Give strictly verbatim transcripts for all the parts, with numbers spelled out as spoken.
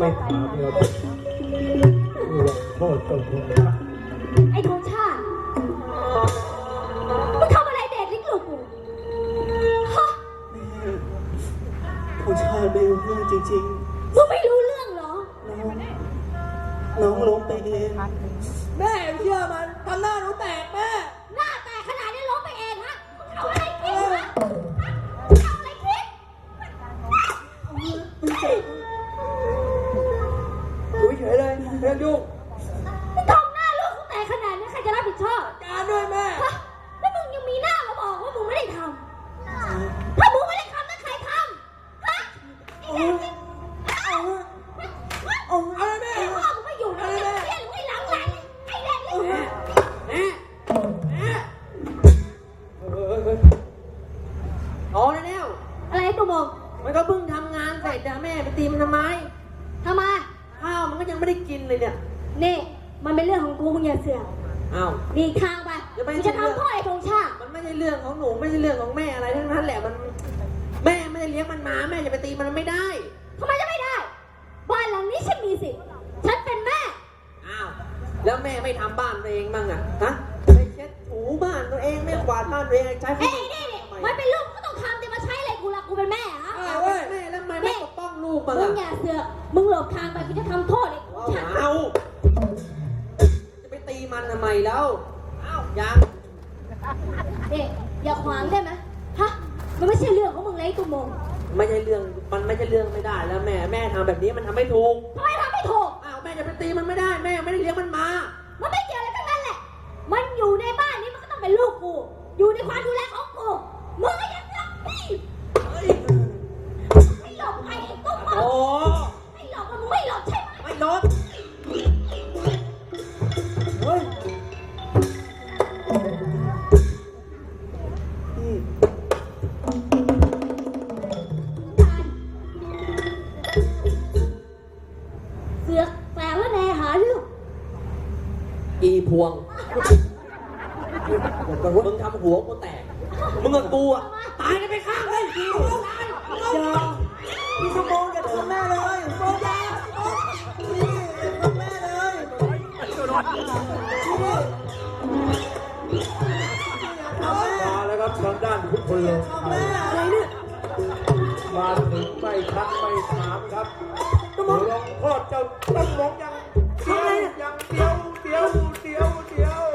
ไม่ถามเราโทษตัวคุณไอ้ธงชาติมึงทำอะไรเด็กลิกลูกกูฮะธงชาติไม่รู้เรื่องจริงมึงไม่รู้เรื่องเหรอๆน้องน้องล้มไปเองแม่เชื่อมันทำหน้าหนูแตกแม่หน้าแตกขนาดนี้ล้มไปเองฮะมึงเอาอะไรคิดฮะมึงเอาอะไรคิดอยู่เฉยเลยเรื่องยุ่งมึงทำหน้าลูกกูแตกขนาดนี้ใครจะรับผิดชอบการด้วยแม่ฮะแล้วมึงยังมีหน้ามาบอกว่ามึงไม่ได้ทำถ้ามึงไม่ได้ทำแล้วใครทำฮะไอ้เด็กเอาเอาอะไรแม่ไอ้พ่อมึงไม่อยู่นะไอ้เลี้ยงไม่หลังไหลไอ้เด็กนี่แม่แม่แม่อ๋อแล้วอะไรตัวมองมันก็เพิ่งทำงานเสร็จนะแม่ไปตีมันทำไมทำไมข้าวมันก็ยังไม่ได้กินเลยเนี่ยนี่มันเป็นเรื่องของกูมึงอย่าเสือกอ้าวนี่ทางไปมึงจะทำพ่อไอ้ธงชาติมันไม่ใช่เรื่องของหนูไม่ใช่เรื่องของแม่อะไรทั้งนั้นแหละมันแม่ไม่ได้เลี้ยงมันมาแม่จะไปตีมันไม่ได้ทำไมจะไม่ได้บ้านหลังนี้ฉันมีสิทธิ์ฉันเป็นแม่อ้าวแล้วแม่ไม่ทำบ้านตัวเองบ้างอ่ะฮะไปเช็ดถูบ้านตัวเองไม่กวาดบ้านตัวเองใช้เอ้ยนี่นี่มันเป็นลูกก็ต้องทำแต่มาใช้อะไรกูล่ะกูเป็นแม่ฮะแม่แล้วทำไมไม่ปกป้องลูกมึงอย่าเสือกมึงหลบทางไปกูจะทำโทษไอ้ฉันเอาจะไปตีมันทำไมแล้วอ้าวยังเด็กอย่าขวางได้ไหมฮะมันไม่ใช่เรื่องของมึงเลยตุ้มมงไม่ใช่เรื่องมันไม่ใช่เรื่องไม่ได้แล้วแม่แม่ทำแบบนี้มันทำไม่ถูกทำไมทำไม่ถูกอ้าวแม่จะไปตีมันไม่ได้แม่ไม่ได้เลี้ยงมันมามันไม่เกี่ยวอะไรทั้งนั้นแหละมันอยู่ในบ้านนี้มันก็ต้องเป็นลูกกูอยู่ในความดูแลของกูมึงก็ยังรักพี่ไม่หลบไปไอ้ตุ้มมงไม่หลบมึงไม่หลบใช่ไหมไม่หลบเฮ้ยเสือกแฝงแล้วแน่หาเรื่องอีพวงมึงทำหัวกูแตกมึงกับกูอ่ะตายกันไปข้างเลยอีพวงตายอย่าพี่สมองอย่าทำแม่เลยโซ่ยาพี่ทำแม่เลยมาแล้วครับทางด้านทุกคนเลยอะไรเนี่ยมาถึงไม่ทักไม่ถามครับลองพ่อเจ้าต้องมองยังเดียวยังเดียวเดียวเดียวเดียว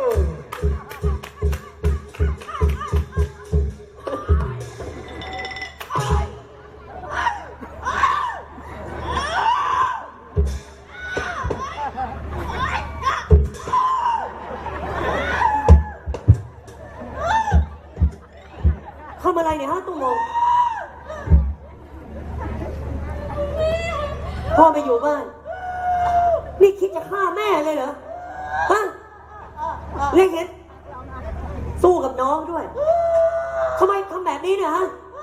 ทำอะไรเนี่ยฮะตุ้มมงพ่อไปอยู่บ้านนี่คิดจะฆ่าแม่เลยเหรอฮะเล็กเห็นสู้กับน้องด้วยทำไมทำแบบนี้เนี่ยฮะ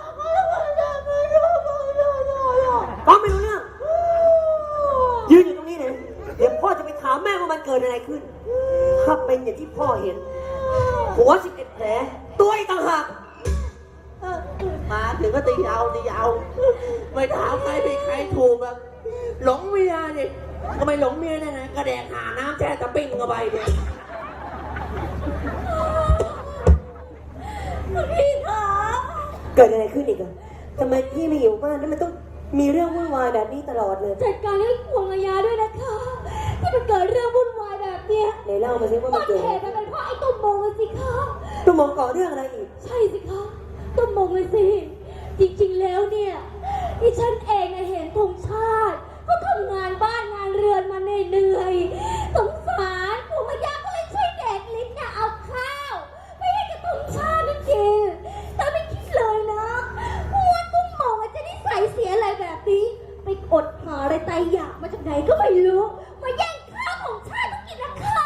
ฟังไม่รู้เรื่องยืนอยู่ตรงนี้เลยเดี๋ยวพ่อจะไปถามแม่ว่ามันเกิดอะไรขึ้นถ้าเป็นอย่างที่พ่อเห็นหัวสิบเอ็ดแผลตัวอีกต่างหากมาถึงก็ตีเอาตีเอาไม่ถามใครผิดใครถูกแบบหลงเมียดิทำไมหลงเมียเนี่ยนะกระแดกหาน้ำแช่ตะปิ้งเข้าไปเนี่ยพี่คะเกิดอะไรขึ้นอีกอะทำไมพี่ไม่อยู่บ้านแล้วมันต้องมีเรื่องวุ่นวายแบบนี้ตลอดเลยจัดการให้พวงระยะด้วยนะคะที่มันเกิดเรื่องวุ่นวายแบบเนี้ยไหนเล่ามาสิว่ามันเกิดเหตุมันเป็นเพราะไอ้ตุ้มมงเลยสิคะตุ้มมงก่อเรื่องอะไรอีกใช่สิคะตุ้มมงเลยสิจริงๆแล้วเนี่ยที่ฉันเองเห็นธงชาติก็ทำงานบ้านงานเรือนมาเหนื่อยๆสงสารพวงระยะก็เลยช่วยเด็กลิ้นเนี่ยเอาข้าวไม่ให้กับธงชาตินั่นกินแต่ไม่คิดเลยนะว่าตุ้มมงจะนิสัยเสียอะไรแบบนี้ไปอดหาอะไรตายอยากมาจากไหนก็ไม่รู้มาแย่งข้าวของชาติต้องกินนะค่ะ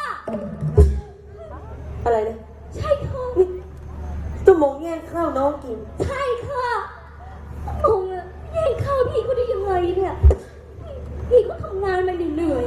อะไรนะใช่ค่ะตุ้มมงแย่งข้าวน้องกินใช่ค่ะตุ้มมงแย่งข้าวพี่เขาได้ยังไงเนี่ยพี่ก็ทำงานมาเหนื่อย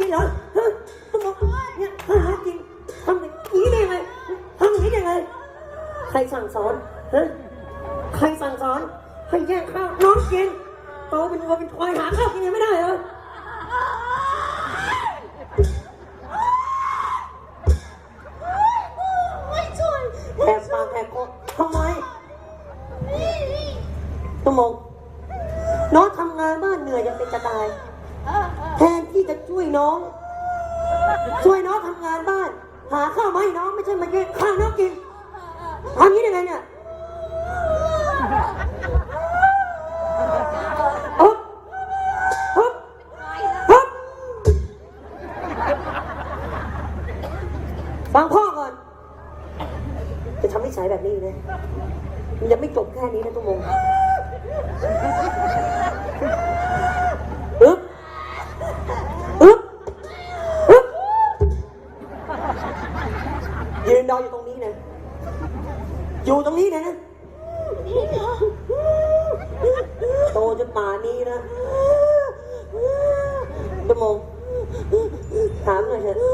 เหรอฮะต้องบอกเนี่ยหากินทำอย่างนี้ได้ไงทำอย่างนี้ได้ไงใครสั่งสอนฮะใครสั่งสอนให้แย่งข้าวน้องกินโตเป็นวัวเป็นควายหาข้าวกินยังไม่ได้เหรอไม่ช่วยแอบฟังแอบก็ทำไมตุ้มมงน้องทำงานบ้านเหนื่อยยังเป็นจะตายแทนที่จะช่วยน้อง ช่วยน้องทำงานบ้าน หาข้าวมาให้น้องไม่ใช่มาแย่งข้าวน้องกินทำอย่างนี้ได้ไงเนี่ยฮึบฮึบฮึบฟังพ่อก่อนจะทำนิสัยแบบนี้นะมันยังไม่จบแค่นี้นะตุ้มมงฮึบฮึบฮึบยืนรออยู่ตรงนี้นะอยู่ตรงนี้นะโตจนป่านนี้นะตุ้มมงถามหน่อยเถอะ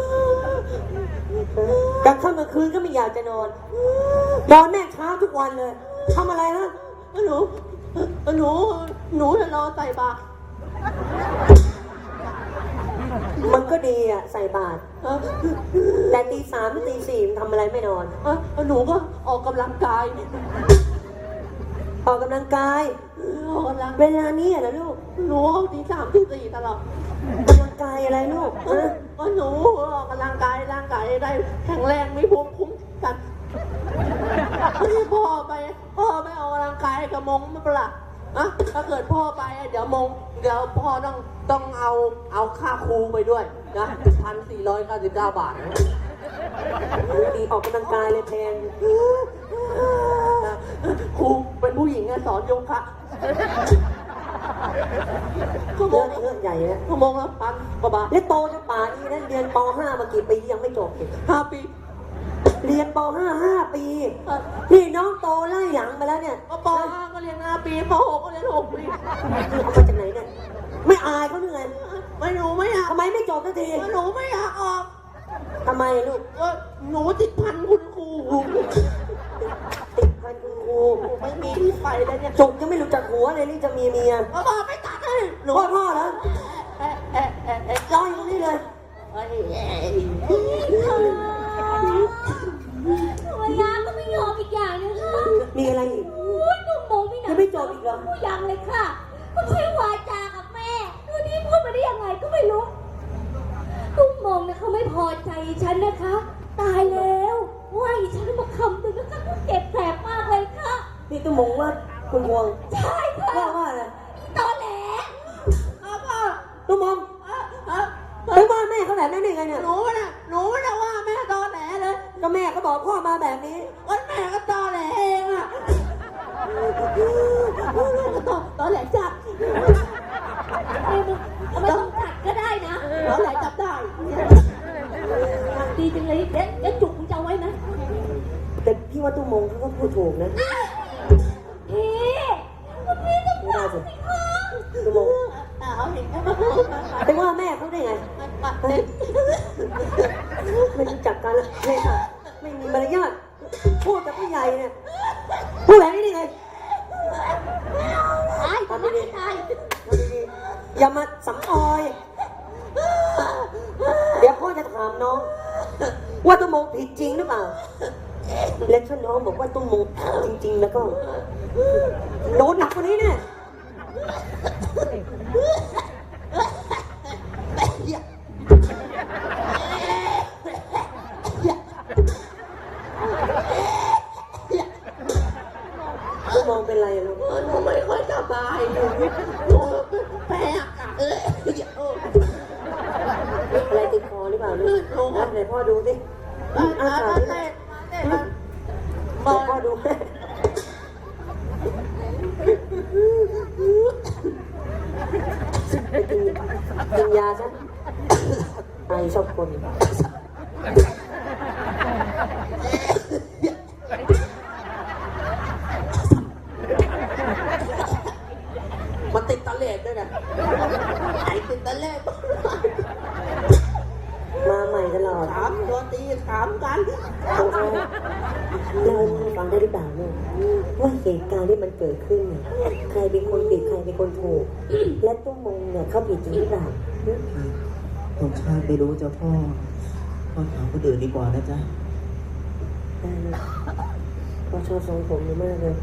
กลางค่ำกลางคืนก็ไม่อยากจะนอนนอนแน่เช้าทุกวันเลยทำอะไรฮะหนูหนูหนูจะรอใส่บาตรมันก็ดีอ่ะใส่บาตรเออแต่ตีสามหรือตีสี่มันทำอะไรไม่นอนเออหนูก็ออกกำลังกายออกกำลังกายออกกำลังเวลานี้เหรอลูกหนูเอาตีสามตีสี่ตลอดกำลังกายอะไรลูกเอฮะอก็หนูออกกำลังกายร่างกายได้แข็งแรงไม่ภูมิคุ้มกันที่พ่อไปพ่อไปออกกำลังกายกับมงไม่เป็นไรอะถ้าเกิดพ่อไปเดี๋ยวมงเดี๋ยวพ่อต้องต้องเอาเอาค่าครูไปด้วยนะพันสี่ร้อยเก้าสิบเก้าบาทดีออกกำลังกายเลยแพงครูเป็นผู้หญิงไงสอนโยคะชั่วโมเรื่องงเรื่องใหญ่นะชั่วโมงละพันกว่าบาทและโตจนป่านนี้นะเรียนป ห้ามากี่ปียังไม่จบอีกห้าปีเรียนป ห้าห้าปีเอ่อพี่น้องโตไล่หลังมาแล้วเนี่ยก็ปห้าก็เรียนห้าปีปหกก็เรียนหกปีเอามาจากไหนเนี่ยไม่อายเขาหรือไงไม่หนูไม่อยากทำไมไม่จบสักทีหนูไม่อยากออกทำไมลูกก็หนูติดพันคุณครูติดพันคุณครูไม่มีที่ไปเลยเนี่ยจบจะไม่รู้จักหัวเลยนี่จะมีเมียพ่อไม่ตัดเลยหนูพ่อพ่อเหรอเอ๊ะเอ๊ะเอ๊ะเอ๊ะรออยู่ตรงนี้เลยเอ้ยเอ้ยภรรยาก็ไม่ยอมอีกอย่างนึงค่ะมีอะไรอีกโอ้ยตุ้มมงไม่หนัยังไม่จบอีกเหรอผู้ยังเลยค่ะก็ใช้วาจากับแม่ดูนี่พูดมาได้ยังไงก็ไม่รู้ตุ้มมงนะเขาไม่พอใจฉันนะคะ ตายแล้วว่าอีฉันมาคำหนึ่งนะคะก็เจ็บแสบมากเลยค่ะนี่ตุ้มมงว่าคุณวงใช่ค่ะว่าว่าอะไรตอแหลเอาพ่อตุ้มมงเอ้ยเอ้ยไปว่าแม่เขาแบบนั้นได้ไงเนี่ยหนูน่ะหนูน่ะว่าแม่ตอแหลเลยก็แม่เขาบอกพ่อมาแบบนี้ก็แม่ก็ตอแหลเองอะตอตอแหลจับไม่ต้องจัดก็ได้นะตอแหลจับได้ดีจังเลยเด็ดเด็ดจุกมึงจะเอาไว้ไหมแต่พี่ว่าตุ้มมงเขาก็พูดถูกนะพี่พี่ต้องไม่ได้สิตุ้มมงเอาเห็นไหมมาพูดมาไปว่าแม่เขาได้ไงมาเด็กไม่รู้จักกันเลยค่ะไม่มีมารยาทพูดกับผู้ใหญ่เนี่ยพูดแบบนี้ได้ไงตายทำไมตายทำดีๆอย่ามาสำออย เดี๋ยวพ่อจะถามน้อง ว่าตุ้มมงผิดจริงหรือเปล่า และถ้าน้องบอกว่าตุ้มมงจริง ๆ แล้วก็โดนหนักกว่านี้เนี่ยตุ้มมงเป็นไรอะลูกหนูไม่ค่อยสบายหนูหนูแพ้อากาศเอออะไรติดคอหรือเปล่าลูกนะไหนพ่อดูสิมาอามาสาเต้ที่นไหนมาเต้นมาไหนพ่อดูให้ไปกินกินยาซะไอชอบคนมันติดตะเลดด้วยนะไอ้ติดตะเลดตลอดถามตัวตีถามกันธงชาติเล่าให้พ่อฟังได้หรือเปล่าลูกว่าเหตุการณ์ที่มันเกิดขึ้นเนี่ยใครเป็นคนผิดใครเป็นคนถูก และตุ้มมงเนี่ยเขาผิดจริงหรือเปล่าผมชาติไม่รู้เจ้าพ่อพ่อถามคนอื่นดีกว่านะจ๊ะได้เลยพ่อชอบทรงผมนี่มากเลย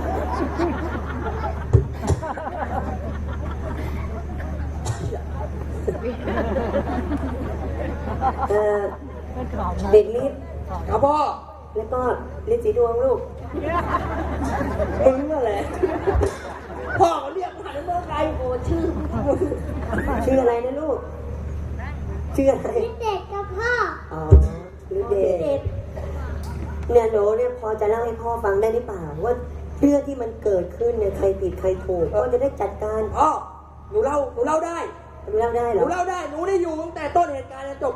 เออเด็กลิฟครับพ่อแล้วก็ลิฟสีดวงลูกมึงนั่นแหละพ่อเขาเรียกผ่านเมื่อไงโอ้ชื่อชื่ออะไรนะลูก ชื่ออะไรเด็กกับพ่ออ๋อลิฟเดชเนี่ยหนูเนี่ยพอจะเล่าให้พ่อฟังได้หรือเปล่าว่าเรื่องที่มันเกิดขึ้นเนี่ยใครผิดใครถูกพ่อจะได้จัดการพ่อหนูเล่าหนูเล่าได้หนูเล่าได้เหหรนูอเล่าได้หนูได้อยู่ตั้งแต่ต้นเหตุการณ์จนจบ